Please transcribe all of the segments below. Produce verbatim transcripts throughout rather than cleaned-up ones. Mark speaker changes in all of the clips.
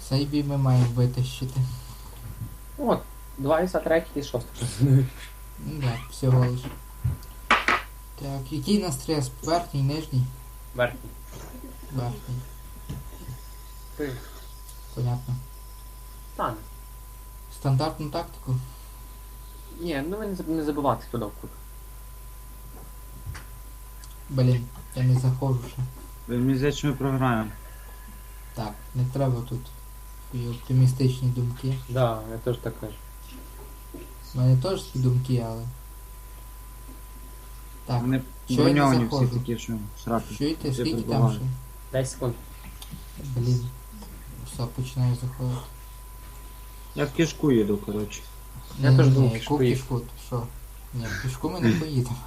Speaker 1: Цей бій ми маємо витащити.
Speaker 2: От, двадцять третій і шостий.
Speaker 1: Ну да, всього лиш. Так, який на стрес? Верхній, нижній?
Speaker 2: Верхній.
Speaker 1: Верхній.
Speaker 2: Ти.
Speaker 1: Понятно.
Speaker 2: Стане.
Speaker 1: Стандартну тактику?
Speaker 2: Ні, ну ви не заб- не забивати туди в кут.
Speaker 1: Блін, я не заходжу ще.
Speaker 3: Мені здається, що ми програємо.
Speaker 1: Так, не треба тут і оптимістичні думки.
Speaker 2: Да, я теж так кажу.
Speaker 1: У мене теж такі думки, але... Так,
Speaker 3: Вони
Speaker 1: що я не
Speaker 3: броньовані всі
Speaker 1: заходжу?
Speaker 3: такі, що сраки.
Speaker 1: Чуєте,
Speaker 3: Всі
Speaker 1: скільки там
Speaker 3: прибувають.
Speaker 1: ще?
Speaker 2: десять секунд.
Speaker 1: Блін. Все, починаю заходити.
Speaker 3: Я в кишку їду, коротше.
Speaker 2: Я
Speaker 1: Ні,
Speaker 2: теж
Speaker 1: ні,
Speaker 2: думав,
Speaker 1: ні,
Speaker 2: пішку
Speaker 1: яку
Speaker 2: їду.
Speaker 1: кішку, ти що? Ні, в кішку ми не поїдемо.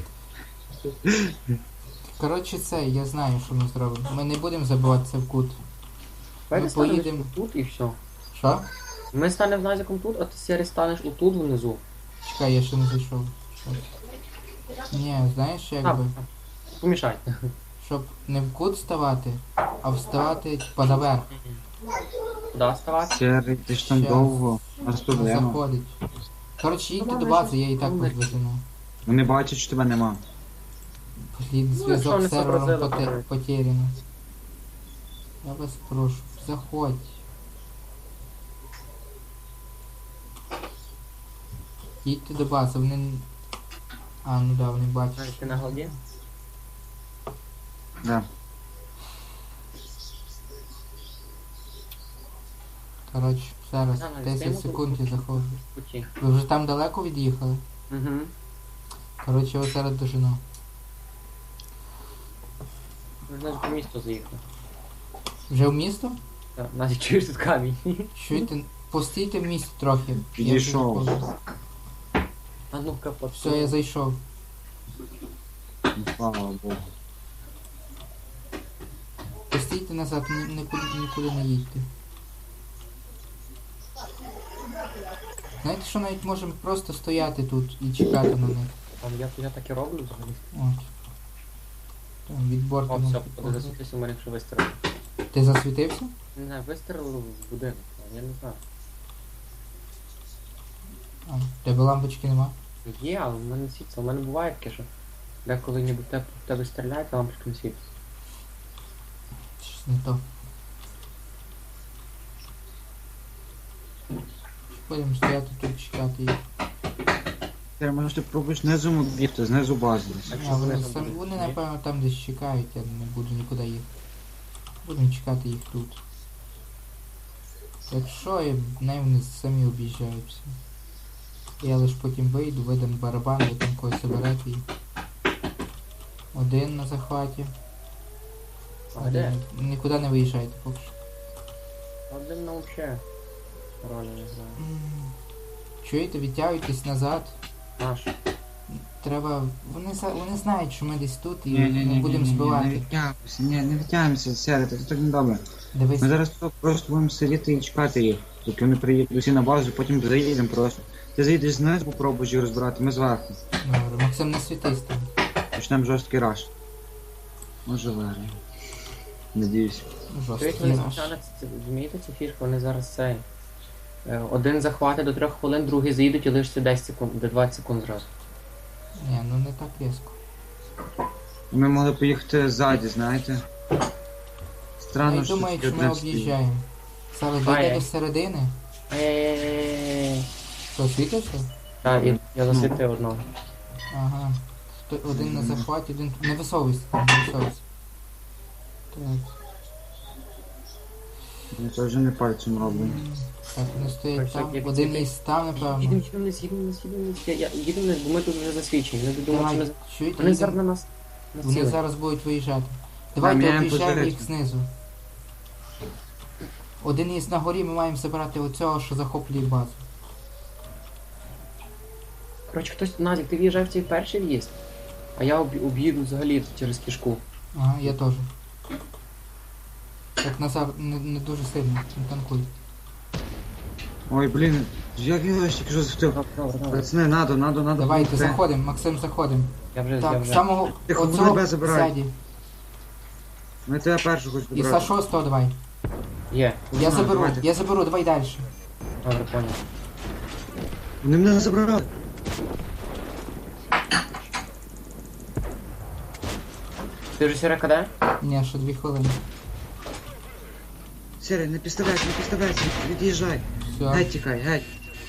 Speaker 1: Коротше це, я знаю, що ми зробимо. Ми не будемо забиватися в кут.
Speaker 2: Давайте
Speaker 1: Ми
Speaker 2: станемо
Speaker 1: поїдемо.
Speaker 2: тут і все.
Speaker 1: Що?
Speaker 2: Ми станемо назиком тут, а ти Сері станеш отут внизу.
Speaker 1: Чекай, я ще не зайшов. Що? Ні, знаєш,
Speaker 2: А,
Speaker 1: якби,
Speaker 2: помішай.
Speaker 1: щоб не в кут ставати, а вставати типа наверх.
Speaker 2: Куди ставати?
Speaker 3: Серий, ти ж там
Speaker 1: Щас.
Speaker 3: довго. У нас
Speaker 1: Не
Speaker 3: проблема.
Speaker 1: заходить. Коротше, їдьте
Speaker 2: Ну,
Speaker 1: до
Speaker 2: ладно,
Speaker 1: бази, я і так
Speaker 2: ну,
Speaker 1: вас вижену.
Speaker 3: Вони бачать, що тебе нема.
Speaker 1: Блін,
Speaker 2: якщо
Speaker 1: зв'язок
Speaker 2: вони
Speaker 1: з сервером
Speaker 2: зобразили,
Speaker 1: поте-
Speaker 2: то-
Speaker 1: потеряно. Я вас прошу, заходь. Їдьте до бази, вони... н- А, ну да, вони бачать.
Speaker 2: Ти на голді?
Speaker 3: Да.
Speaker 1: Коротше, зараз
Speaker 2: Да, навіть
Speaker 1: десять
Speaker 2: стоїмо
Speaker 1: секунд
Speaker 2: тут.
Speaker 1: і заходжу.
Speaker 2: Путі.
Speaker 1: Ви вже там далеко від'їхали?
Speaker 2: Угу.
Speaker 1: Коротше, ось зараз дожену.
Speaker 2: Ми ж навіть по місту заїхали.
Speaker 1: Вже в місто?
Speaker 2: Так, Назі, чуєш тут камінь?
Speaker 1: Чуєте? Постійте в місті трохи. Я вже
Speaker 3: Підійшов.
Speaker 1: заходжу.
Speaker 2: А ну-ка,
Speaker 1: Все, я зайшов.
Speaker 3: Ну, слава Богу.
Speaker 1: Постійте назад, ні- нікуди, нікуди не їдьте. Знаєте, що навіть можемо просто стояти тут і чекати на них.
Speaker 2: Там я, я так і роблю взагалі.
Speaker 1: От. Там від борта
Speaker 2: О,
Speaker 1: можна
Speaker 2: все,
Speaker 1: поговорити.
Speaker 2: засвітився у мене, якщо вистрілив.
Speaker 1: Ти засвітився?
Speaker 2: Не знаю, вистрілив в будинок, а я не знаю.
Speaker 1: А, в тебе лампочки нема?
Speaker 2: Є, але в мене світиться. У мене буває таке, що деколи ніби в тебе, в тебе стріляють, а лампочка не світиться.
Speaker 1: Щось не то. Будемо стояти тут чекати їх.
Speaker 3: Серий, може ти пробуєш знизу бігти, знизу бази.
Speaker 2: Так
Speaker 1: А,
Speaker 2: що вони
Speaker 1: вони,
Speaker 2: там
Speaker 1: сам,
Speaker 2: будуть?
Speaker 1: вони
Speaker 2: Ні?
Speaker 1: напевно там десь чекають, я не буду нікуди їхати. Будемо чекати їх тут. Якщо і не вони самі об'їжджаються. Я лиш потім вийду, видам барабан, ви там когось заберете і... Один на захваті.
Speaker 2: А де?
Speaker 1: Один. Нікуди не виїжджайте поки що.
Speaker 2: Один нам взагалі ролі не знаю.
Speaker 1: М. Чуєте, відтягуйтесь назад.
Speaker 2: Наш.
Speaker 1: Треба... Вони, за- вони знають, що ми десь тут і
Speaker 3: Ні, ні, ні,
Speaker 1: ми
Speaker 3: ні,
Speaker 1: будемо
Speaker 3: ні, ні, не
Speaker 1: збивати.
Speaker 3: відтягуйся, ні, не відтягуйся, Серий, це так не добре.
Speaker 1: Дивись.
Speaker 3: Ми зараз тут просто будемо сидіти і чекати їх, доки вони приїдуть усі на базу, потім заїдемо просто. Ти заїдеш знизу, попробуєш їх розбирати, ми зверху.
Speaker 1: Добре, Максим, не світись там.
Speaker 3: Почнемо жорсткий раш. Може виграємо. Надіюсь.
Speaker 2: Чуєте,
Speaker 1: Жорсткий
Speaker 2: вони
Speaker 1: наш.
Speaker 2: звичайно, це- розумієте цю фішку, вони зараз цей. е, Один захватить до трьох хвилин, другий заїдуть і лишиться десять секунд, до двадцять секунд зразу.
Speaker 1: Ні, ну не так різко.
Speaker 3: Ми могли поїхати ззаді, знаєте. Странно,
Speaker 1: Я
Speaker 3: що
Speaker 1: думаю,
Speaker 3: тільки
Speaker 1: що ми
Speaker 3: один стоїть.
Speaker 1: об'їжджаємо. Зараз
Speaker 2: Ай-яй.
Speaker 1: дійде до середини.
Speaker 2: Ей-ей-ей-ей-ей.
Speaker 1: Що, світився?
Speaker 2: Так, і я
Speaker 3: Ну.
Speaker 2: засвітив одного.
Speaker 1: Ага. Хто- Один на захваті, один... Не висовуйся, там, не висовуйся. Так.
Speaker 3: Ми це вже не пальцем робимо.
Speaker 1: м, Так, вони стоять
Speaker 2: Так,
Speaker 1: там.
Speaker 2: як
Speaker 1: Один
Speaker 2: ці-
Speaker 1: із там, напевно.
Speaker 2: Їдемо, їдемо вниз, їдемо вниз, їдемо вниз. Я- я- Їдемо вниз, бо ми тут вже засвідчені. Вони думають, що ми...
Speaker 1: Давай, чуєте,
Speaker 2: Вони зараз
Speaker 1: їдемо.
Speaker 2: на нас
Speaker 1: Вони
Speaker 2: націлені.
Speaker 1: зараз будуть виїжджати. Давайте
Speaker 3: міняємо
Speaker 1: об'їжджаємо їх
Speaker 3: позицію.
Speaker 1: знизу. Один із на горі ми маємо забирати оцього, що захоплює базу.
Speaker 2: Коротше, хтось, Назік, ти в'їжджав в цей перший в'їзд, а я об'їду об'їду взагалі через кишку.
Speaker 1: Ага, я теж. Так, Назар, не, не дуже сильно, не танкуй.
Speaker 3: Ой, блін, як я тільки що захотів.
Speaker 2: Добре, добре, добре.
Speaker 3: Пацани, надо, надо, надо.
Speaker 1: Давайте,
Speaker 3: допомогти.
Speaker 1: заходимо, Максим, заходимо.
Speaker 2: Я вже, я
Speaker 1: Так,
Speaker 2: вже.
Speaker 1: самого
Speaker 3: Тихо,
Speaker 1: оцього
Speaker 3: тебе забирають.
Speaker 1: ззаді.
Speaker 3: Ми тебе першу хоч
Speaker 1: І
Speaker 3: забрати.
Speaker 1: за шостого давай.
Speaker 2: Є.
Speaker 1: Я
Speaker 3: Ну,
Speaker 1: заберу,
Speaker 3: давайте.
Speaker 1: я заберу, давай далі.
Speaker 2: Добре, понял.
Speaker 3: Вони мене забрали.
Speaker 2: Ти вже Сіра КД?
Speaker 1: Ні, ще дві хвилини.
Speaker 3: Сірий, не підставляйся, не підставляйся, від'їжджай.
Speaker 1: Все.
Speaker 3: Геть тікай, геть.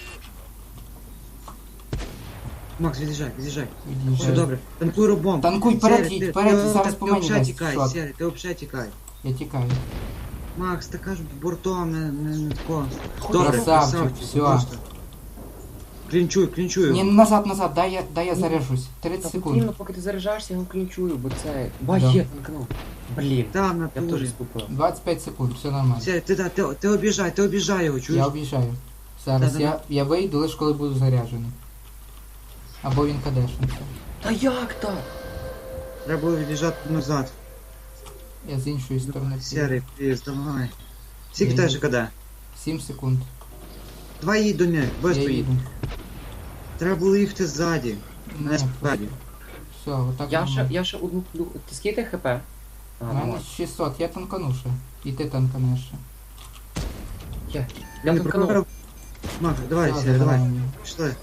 Speaker 3: Макс, від'їжджай, від'їжджай. Все
Speaker 1: Від'їжджаю.
Speaker 3: добре. Танкуй робом.
Speaker 1: Танкуй, вперед їдь, вперед, зараз по
Speaker 3: Ти
Speaker 1: мені
Speaker 3: взагалі
Speaker 1: дасть
Speaker 3: тікай,
Speaker 1: шот.
Speaker 3: Сірий, ти взагалі тікай.
Speaker 1: Я тікаю.
Speaker 3: Макс, ти кажеш бортом, не, не, не тако.
Speaker 1: Красавчик, все.
Speaker 3: просто. Клінчуй, клінчуй.
Speaker 1: Ні, назад, назад, дай я, дай я заряжусь.
Speaker 2: Та
Speaker 1: тридцять секунд.
Speaker 2: потрібно, поки ти заряджаєшся, я його клінчую, бо це... Ба,
Speaker 1: Да.
Speaker 2: є, танкнув. Блін,
Speaker 3: Там, на
Speaker 2: я б теж
Speaker 3: турі.
Speaker 2: скупив.
Speaker 1: двадцять п'ять секунд, все нормально.
Speaker 3: Сірий, ти, ти, ти, ти обіжай, ти обіжай його, чуєш?
Speaker 1: Я об'їжджаю. Зараз
Speaker 3: Да-да-да.
Speaker 1: я, я вийду лише коли буду заряджений. Або він кадешниться.
Speaker 2: Та як так?
Speaker 3: Треба було від'їжджати назад.
Speaker 1: Я з іншої сторони.
Speaker 3: Сірий, пліз, давай. Скільки
Speaker 1: Я
Speaker 3: теж
Speaker 1: їду.
Speaker 3: КД?
Speaker 1: сім секунд.
Speaker 3: Давай їдь до них,
Speaker 1: Я
Speaker 3: быстро їдь.
Speaker 1: їду.
Speaker 3: Треба було їхати ззаді.
Speaker 1: Ні,
Speaker 3: Не спереді.
Speaker 1: все, отак.
Speaker 2: Я ще,
Speaker 1: нормально.
Speaker 2: я ще одну... плю- Ти скільки хп? А,
Speaker 1: У
Speaker 2: ну
Speaker 1: мене
Speaker 2: ладно.
Speaker 1: шістсот, я танкану ще. І ти танканеш ще.
Speaker 2: Є. Я
Speaker 3: Не
Speaker 2: танканув.
Speaker 3: прокурор. Макс, давай,
Speaker 1: Все,
Speaker 3: Сірий, давай.
Speaker 1: забираємо його.
Speaker 3: Пішли.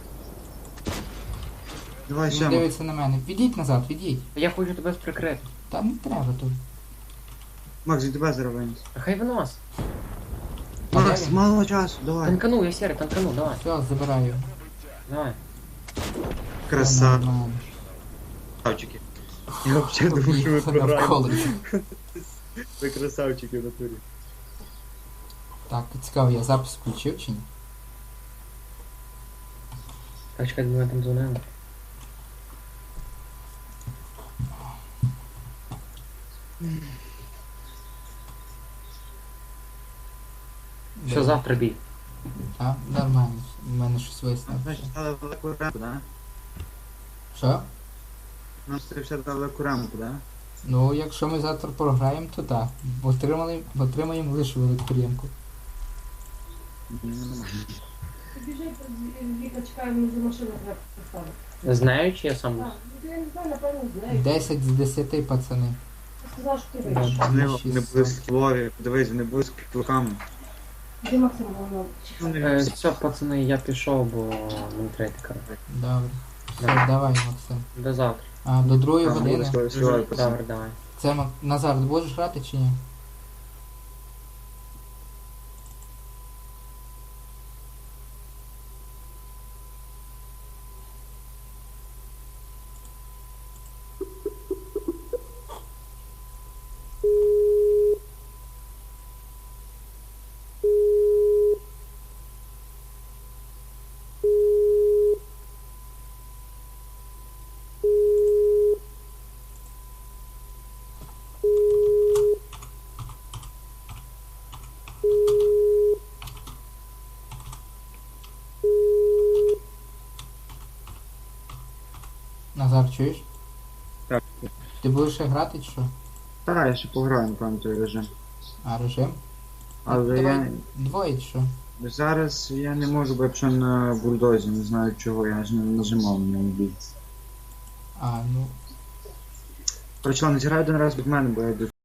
Speaker 3: Давай
Speaker 1: Він
Speaker 3: ще.
Speaker 1: дивиться на мене. Відійдь назад, відійдь.
Speaker 2: Я хочу тебе прикрити.
Speaker 1: Та не треба тут.
Speaker 3: Макс, від тебе зараз винес.
Speaker 2: А хай винос.
Speaker 1: А
Speaker 3: Макс,
Speaker 1: де він?
Speaker 3: мало часу, давай.
Speaker 2: Танканув, я Сіра, танканув, давай.
Speaker 1: Все, забираю.
Speaker 2: Давай.
Speaker 1: Все
Speaker 3: Красавчики.
Speaker 1: нормально.
Speaker 3: Я взагалі думаю, що ви
Speaker 1: Об'їхав навколо.
Speaker 3: Ви красавчики в натурі.
Speaker 1: Так, цікаво, я запис включив чи ні?
Speaker 2: Так, чекай, ми там дзвонили. Що
Speaker 1: Де?
Speaker 2: завтра бій?
Speaker 1: А, нормально. У мене щось висне.
Speaker 3: Значить, дали велику рамку, да?
Speaker 1: Що?
Speaker 3: Нам це все дали велику рамку, да?
Speaker 1: Ну, якщо ми завтра програємо, то так. Отримали, отримаємо лише велику рівку.
Speaker 4: Біжить, Віка чекає, мені за машину треба поставити.
Speaker 2: Знаю, чи я сам був?
Speaker 4: Так, ну, я не знаю, напевно, знаю.
Speaker 1: десять з десяти, пацани.
Speaker 4: Я сказала, що ти
Speaker 2: Да.
Speaker 4: вийшов.
Speaker 3: Вони, вони були скілові, подивись, вони були з кілками.
Speaker 4: Де Максим Волнов?
Speaker 2: Е, все, пацани, я пішов, бо мені треба йти коротко.
Speaker 1: Добре. Все,
Speaker 2: Да.
Speaker 1: давай, Максим.
Speaker 2: До завтра.
Speaker 1: А, до другої
Speaker 3: А,
Speaker 1: години.
Speaker 3: вони співають, пацани.
Speaker 2: Добре, давай.
Speaker 1: Це Мак- Назар, ти будеш грати чи ні? Назар, чуєш?
Speaker 3: Так.
Speaker 1: Ти будеш ще грати чи що?
Speaker 3: Так, я ще пограю, напевно, той режим.
Speaker 1: А, режим?
Speaker 3: Але
Speaker 1: Давай
Speaker 3: я
Speaker 1: двоє чи що?
Speaker 3: зараз я не можу, бо якщо на бульдозі, не знаю чого, я ж не нажимав на ньому бій.
Speaker 1: А, ну.
Speaker 3: Короче, ладно, зіграй один раз від мене, бо я йду